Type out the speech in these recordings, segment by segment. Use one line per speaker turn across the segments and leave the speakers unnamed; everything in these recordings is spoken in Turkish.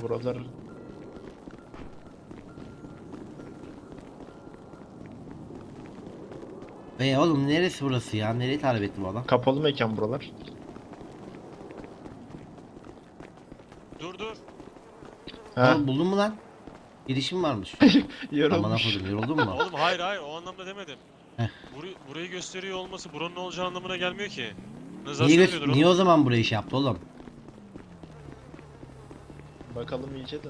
Buralar
Oğlum neresi burası ya? Nereyi tarif etti bu adam?
kapalı mekan buralar.
Dur dur.
Heh,
Oğlum buldun mu lan? Girişim varmış. Aman
yorulmuş.
afadım, yoruldun mu?
Oğlum hayır hayır o anlamda demedim.
Heh.
Burayı gösteriyor olması buranın olacağı anlamına gelmiyor ki.
Niye,
Navigasyon veriyordur
niye
oğlum.
o zaman burayı şey yaptı oğlum?
Bakalım iyice de.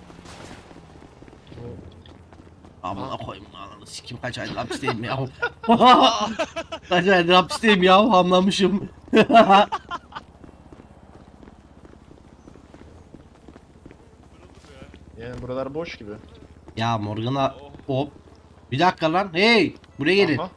Amına
Aa.
koyayım ananı sikim, kaç aydır hapisteyim ya. Kaç aydır hapisteyim ya, hamlamışım.
Yani buralar boş gibi.
Ya Morgan'a
Oh.
hop. Bir dakika lan, hey buraya gelin.
Aha.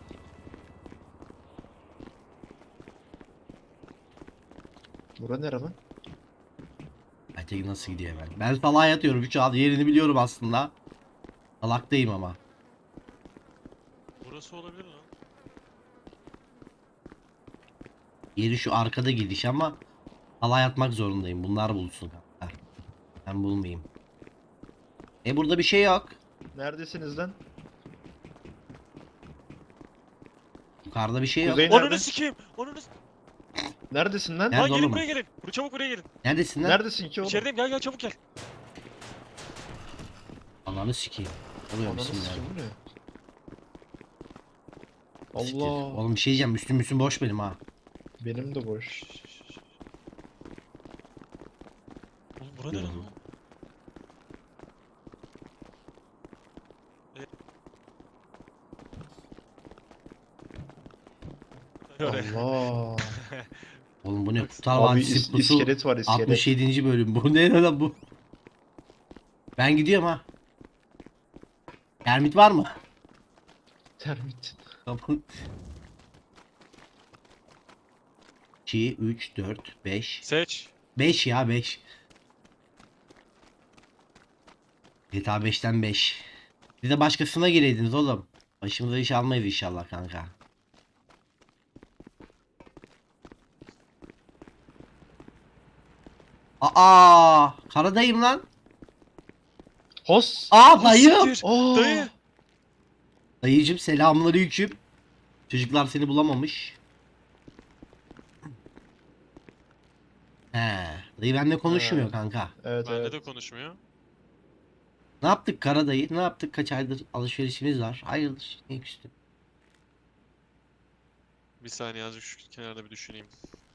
Bura nere lan?
Aytekin nasıl gidiyor hemen? Ben salağa yatıyorum şu an, yerini biliyorum aslında. Salaktayım ama.
Burası olabilir lan.
Yeri şu arkada gidiş ama salağa yatmak zorundayım. Bunlar bulsun kanka. Ben bulmayayım. Burada bir şey yok.
Neredesiniz lan?
Yukarıda bir şey yok.
Kuzey nerede?
Onunu sikeyim. Onunu
Neredesin lan?
Nerede
Lan gelin
oğlum?
buraya gelin. Çabuk buraya gelin.
Neredesin lan?
Neredesin ki oğlum?
İçerideyim gel çabuk gel.
Ananı sikeyim. Oluyor
Ananı
bismillah.
sikim bu ne?
Siktir.
Allah.
Oğlum bir şey diyeceğim. Üstüm boş benim ha.
Benim de boş.
Oğlum bura ne lan?
Yok.
Allah.
Oğlum bu ne?
Bak-
Kurtlar
Abi
Vadisi Pusu
iskelet var, iskelet.
67. bölüm. Bu ne lan bu? Ben gidiyorum ha. Termit var mı?
Termit.
Tamam. 2, 3, 4, 5.
Seç.
5 ya 5. GTA 5'ten 5. Siz de başkasına gireydiniz oğlum. Başımıza iş almayız inşallah kanka. Aa, karadayım lan.
Hos.
Aa dayı.
Siktir.
Aa.
Dayı.
Dayıcım selamünaleyküm. Çocuklar seni bulamamış. He, dayı benimle konuşmuyor
He.
kanka.
Evet
Bende
evet.
de konuşmuyor.
Ne yaptık kara dayı? Ne yaptık? Kaç aydır alışverişimiz var. Hayırdır? Ne küstü?
Bir saniye azıcık şu kenarda bir düşüneyim.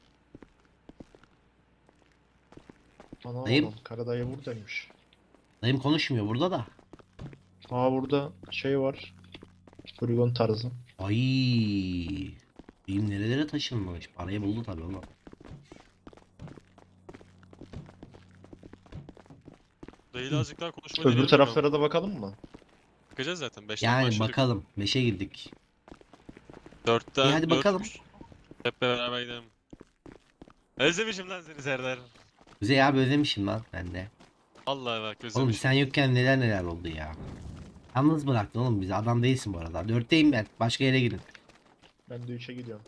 Ana
Dayım.
oğlum, Karadayı buradaymış.
Dayım konuşmuyor burada da.
Aa burada şey var. Poligon tarzı.
Ay. Dayım nerelere taşınmış? Parayı buldu tabii oğlum.
Dayıyla azıcık daha konuşma
Öbür
deneyelim
taraflara da bakalım mı?
Bakacağız zaten. 5'ten
Yani
başladık.
bakalım. 5'e girdik.
4'ten
İyi, hadi bakalım.
Hep beraber gidelim. Özlemişim lan seni Serdar.
Kuzey abi özlemişim lan ben de.
Vallahi bak
Oğlum
özlemişim.
sen yokken neler oldu ya. Yalnız bıraktın oğlum bizi. Adam değilsin bu arada. 4'teyim ben. Başka yere gidin.
Ben de 3'e gidiyorum.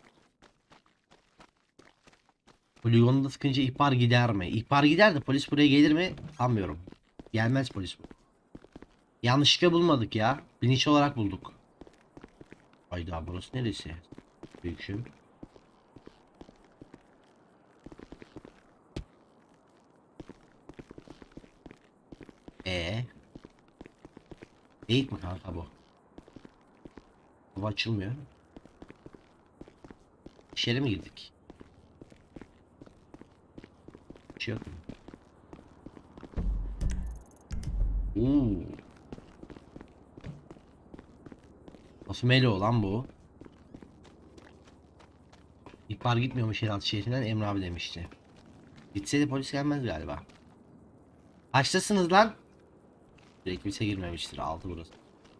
Poligonda sıkınca ihbar gider mi? İhbar gider de polis buraya gelir mi? Sanmıyorum. Gelmez polis bu. Yanlışlıkla bulmadık ya. Bilinç olarak bulduk. Hayda burası neresi? Büyükşüm. Değil mi kanka bu? Bu açılmıyor. İçeri mi girdik? Bir şey yok mu? Oo. Nasıl Melo lan bu? İhbar gitmiyormuş yeraltı şehrinden, Emre abi demişti. Gitse de polis gelmez galiba. Kaçtasınız lan? Direkt kimse girmemiştir. 6 burası.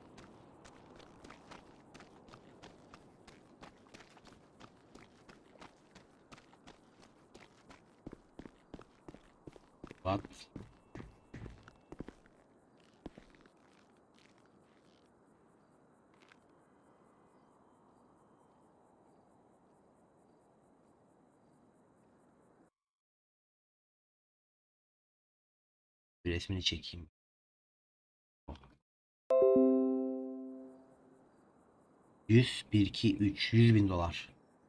What? Bir resmini çekeyim. 100, 1, 2, 3, 100 bin dolar.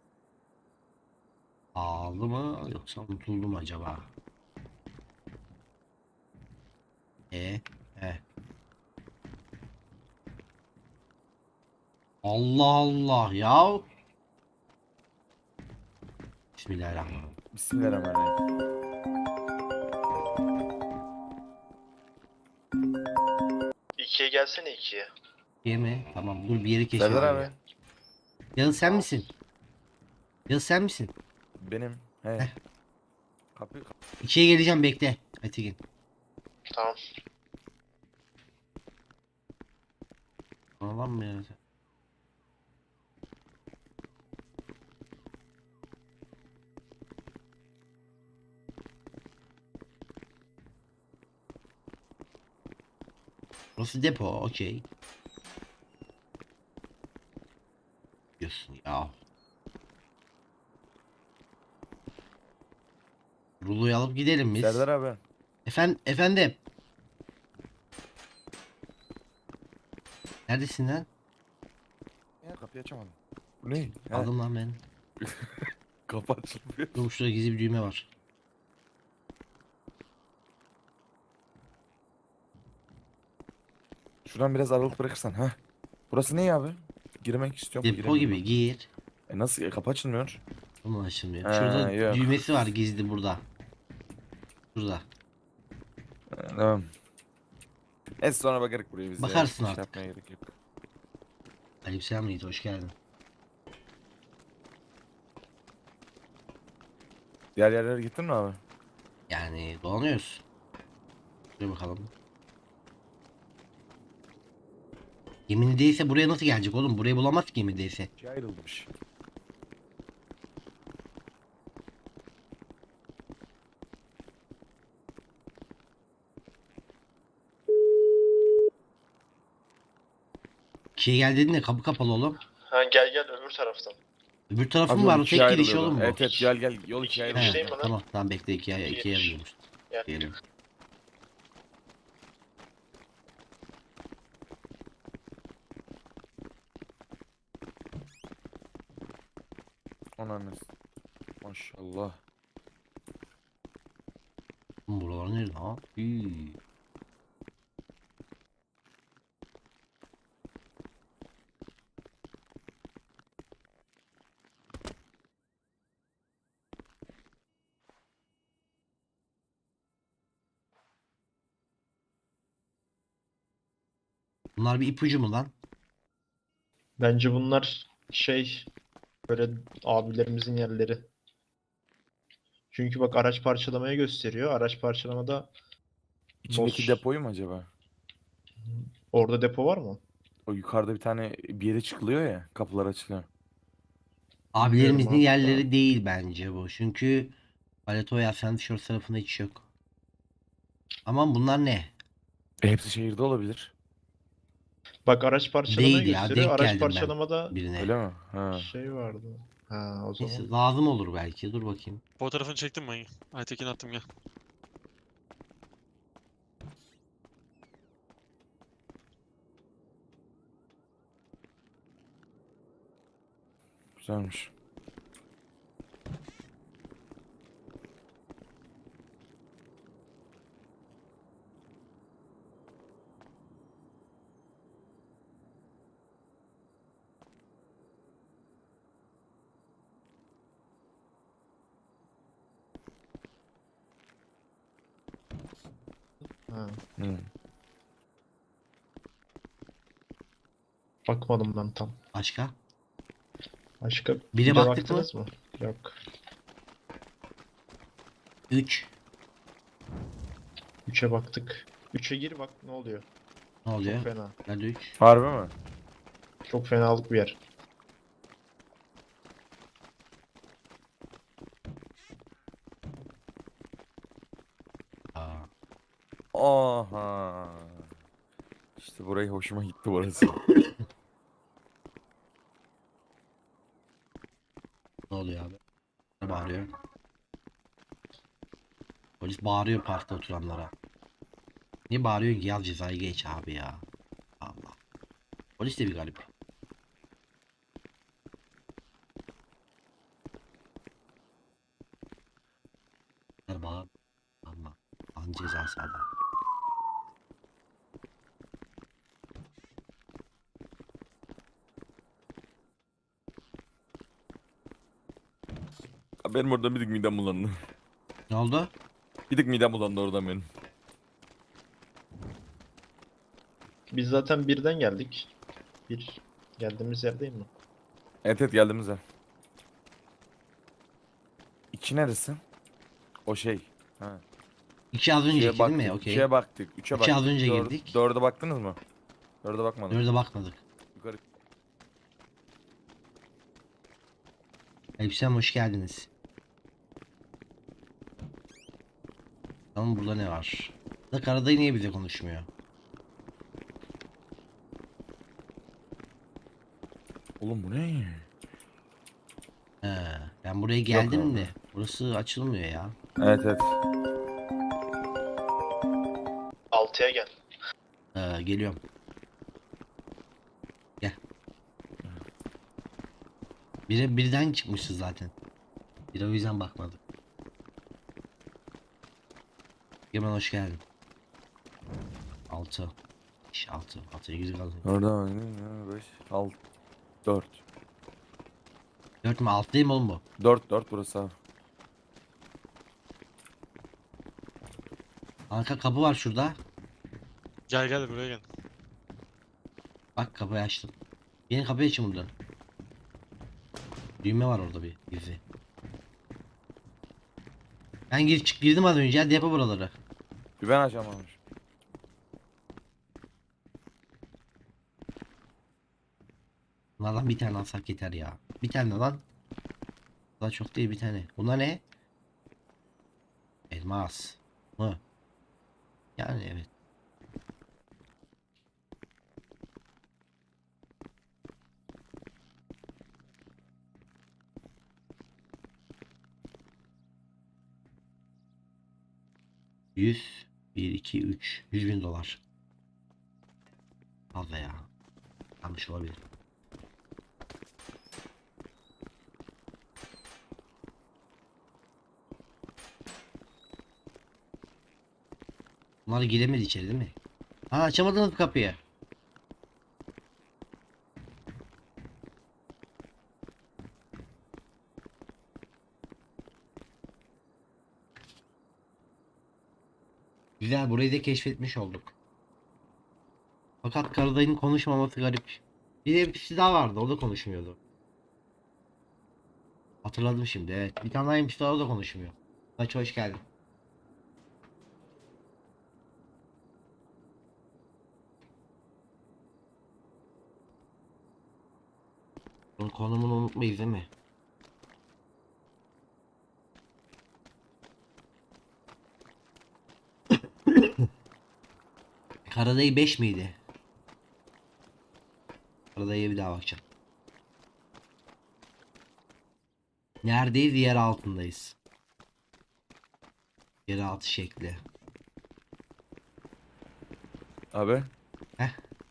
Pahalı mı yoksa unutuldu mu acaba? E, e. Allah Allah ya. Bismillahirrahmanirrahim.
Bismillahirrahmanirrahim.
İkiye gelsene ikiye.
Yeme. Tamam dur bir yeri
Serdar
keşfedelim.
abi.
Yağız sen misin? Yağız sen misin?
Benim. He.
Heh.
Kapı.
İkiye geleceğim bekle. Aytekin.
Tamam.
Anlam mı ya? Burası depo, okey. Diyorsun ya. Ruloyu alıp gidelim biz.
Serdar abi.
Efendim. Neredesin lan?
Ya kapıyı açamadım. Bu ne? He.
Aldım lan ben.
Kapı açılmıyor.
Dur şurada gizli bir düğme var.
Şuradan biraz aralık bırakırsan. Ha. Burası ne abi? Girmek istiyorum.
Depo
giremiyorum.
gibi gir.
Nasıl? Kapı açılmıyor.
Ama açılmıyor.
Ha,
Şurada
yok.
düğmesi var gizli burada. Şurada.
Tamam. Neyse sonra bakarız buraya biz
Bakarsın
ya.
artık.
Yapmaya gerek yok.
Aleykümselam Yiğit, hoş geldin.
Diğer yerlere gittin mi abi?
Yani dolanıyoruz. Şuraya bakalım. Gemini değilse buraya nasıl gelecek oğlum? Burayı bulamaz ki gemini değilse.
Şey ayrılmış.
Şey gel dedin de kapı kapalı oğlum.
Ha gel öbür taraftan.
Öbür tarafı
Abi
mı var?
yol
O
ikiye
tek giriş
ayrılıyordu.
oğlum bu.
Evet gel yol ikiye
He.
ayrılıyor.
Şey mi lan?
Tamam bekle ikiye
İyiymiş.
ayrılıyormuş.
Gel.
Diyelim.
Ananı. Maşallah.
Oğlum buralar nerede ha? Hii. Bunlar bir ipucu mu lan?
Bence bunlar şey böyle abilerimizin yerleri. Çünkü bak araç parçalamaya gösteriyor. Araç parçalamada
İçindeki
Boş.
depoyu mu acaba?
orada depo var mı?
O yukarıda bir tane bir yere çıkılıyor ya. Kapılar açılıyor.
Abilerimizin
hatta.
yerleri değil bence bu. Çünkü Paletoya Ascent tarafında hiç yok. Aman bunlar ne?
Hepsi şehirde olabilir.
Bak araç parçalamaya
Değil ya,
gösteriyor.
denk
Araç
geldim ben
parçalamada
birine.
Öyle mi? Ha.
şey vardı. Ha o
Neyse
zaman.
lazım olur belki. Dur bakayım.
Fotoğrafını çektim ben. Aytekin attım gel.
Güzelmiş.
Ha.
Hı.
Bakmadım ben tam.
Başka?
Başka
Bire
bir de
baktık mı?
baktınız mı? Yok.
3.
3'e baktık. 3'e gir bak ne oluyor.
Ne oluyor?
Çok fena.
Nerede 3?
Harbi mi?
Çok fenalık bir yer.
Aa.
Aha. İşte burayı hoşuma gitti burası.
Ne oluyor abi? Ne bağırıyor? Polis bağırıyor parkta oturanlara. Niye bağırıyorsun ki yaz cezayı geç abi ya. Allah. Polis de bir garip. Bağır. Allah. An cezası adam.
Abi benim orada bir tık midem bulandı.
Ne oldu?
Bir tık midem bulandı oradan benim.
Biz zaten birden geldik. Bir geldiğimiz yerdeyim mi?
Evet evet geldiğimiz yer. İki neresi? O şey. Ha.
İki az önceki
İkiye
değil mi?
baktık.
Okey.
İkiye baktık. Üçe
İki
baktık.
az önce girdik.
Dörde baktınız mı? Dörde bakmadım.
Dörde bakmadık.
Yukarı.
Elbisem hoş geldiniz. Tamam burada ne var? Da Karadayı niye bize konuşmuyor?
Oğlum bu ne?
He, ben buraya geldim
abi.
de burası açılmıyor ya.
Evet evet.
6'ya gel.
Geliyorum. Gel. Birden çıkmışız zaten. Bir o yüzden bakmadık. Hemen hoş geldin. 6. 6. 6'ya güzel kaldı.
Orada 5, 6, 4.
4 mü? 6 değil mi oğlum bu?
4 burası abi.
Arka kapı var şurada.
Gel gel buraya gel.
Bak kapıyı açtım. Yeni kapıyı açın buradan. Düğme var orada bir gizli. Ben girdim az önce. Hadi yapı buraları.
Bir ben açamamış.
Bunlardan bir tane alsak yeter ya. Bir tane lan. Daha çok değil bir tane. Bunlar ne? Elmas mı? Yani evet. Bir, iki, üç. 100.000 dolar. Fazla ya. Yanlış olabilir. Bunlar giremedi içeri değil mi? Ha açamadınız kapıyı. Güzel burayı da keşfetmiş olduk. Fakat Karadayı'nın konuşmaması garip. Bir de birisi daha vardı o da konuşmuyordu. Hatırladım şimdi evet. Bir tane daha NPC daha o da konuşmuyor. Kaç hoş geldin. Bunun konumunu unutmayız değil mi? Karadayı 5 miydi? Karadayı'ya bir daha bakacağım. Neredeyiz? Yer altındayız. Yer altı şekli.
Abi.
Heh.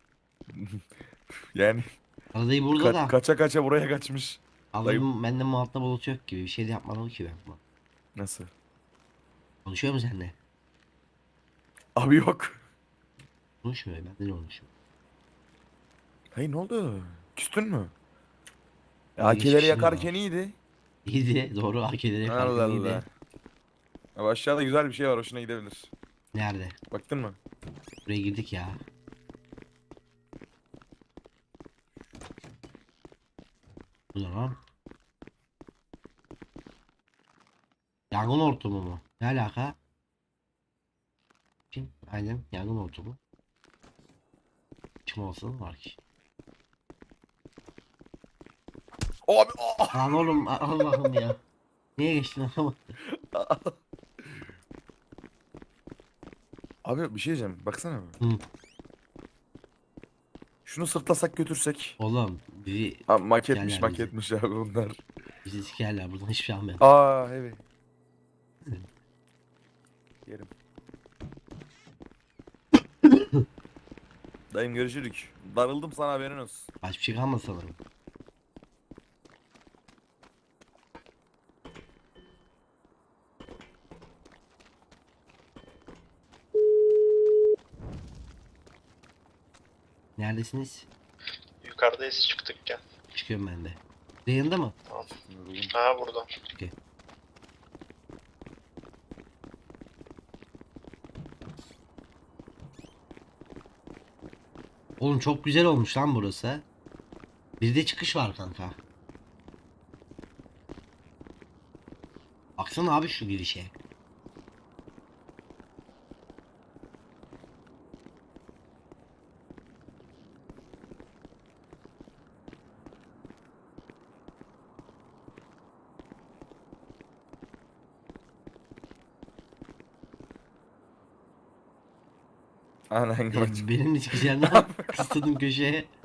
Yani
Karadayı burada da.
kaça kaça buraya kaçmış.
Allah'ım bende muhatap bulut yok gibi. Bir şey de yapmadım ki ben.
Nasıl?
Konuşuyor mu seninle?
Abi yok.
Konuşmuyor. Ben de konuşuyorum.
Hey ne oldu? Küstün mü?
Bir
AK'leri
geçmişim
yakarken
var.
iyiydi.
İyiydi. Doğru. AK'leri
Allah
yaparken iyiydi.
Allah. Abi aşağıda güzel bir şey var hoşuna gidebilir.
Nerede?
Baktın mı?
Buraya girdik ya. Bu ne lan? Yangın hortumu mu? Ne alaka? Kim? Aynen yangın hortumu. Çıkma olasılığı var ki.
Abi
Lan oğlum Allah'ım ya. Niye geçtin ama?
Abi bir şey diyeceğim. Baksana.
Hı.
Şunu sırtlasak götürsek.
Oğlum bizi
Abi maketmiş
Sikerler bizi.
maketmiş abi bunlar.
bizi sikerler buradan hiçbir şey almayalım.
Aa evet. Yerim. Dayım görüşürük. Darıldım sana, haberin olsun.
Başka bir şey kalmadı sanırım. Neredesiniz?
Yukarıdayız, çıktık gel.
Çıkıyorum ben de. Yayında mı?
Tamam.
Yoruldum.
Ha burada.
Okey. Oğlum çok güzel olmuş lan burası. Bir de çıkış var kanka. Baksana abi şu girişe.
Anan kaç.
Benim de çıkacağım. Kıstım köşeye.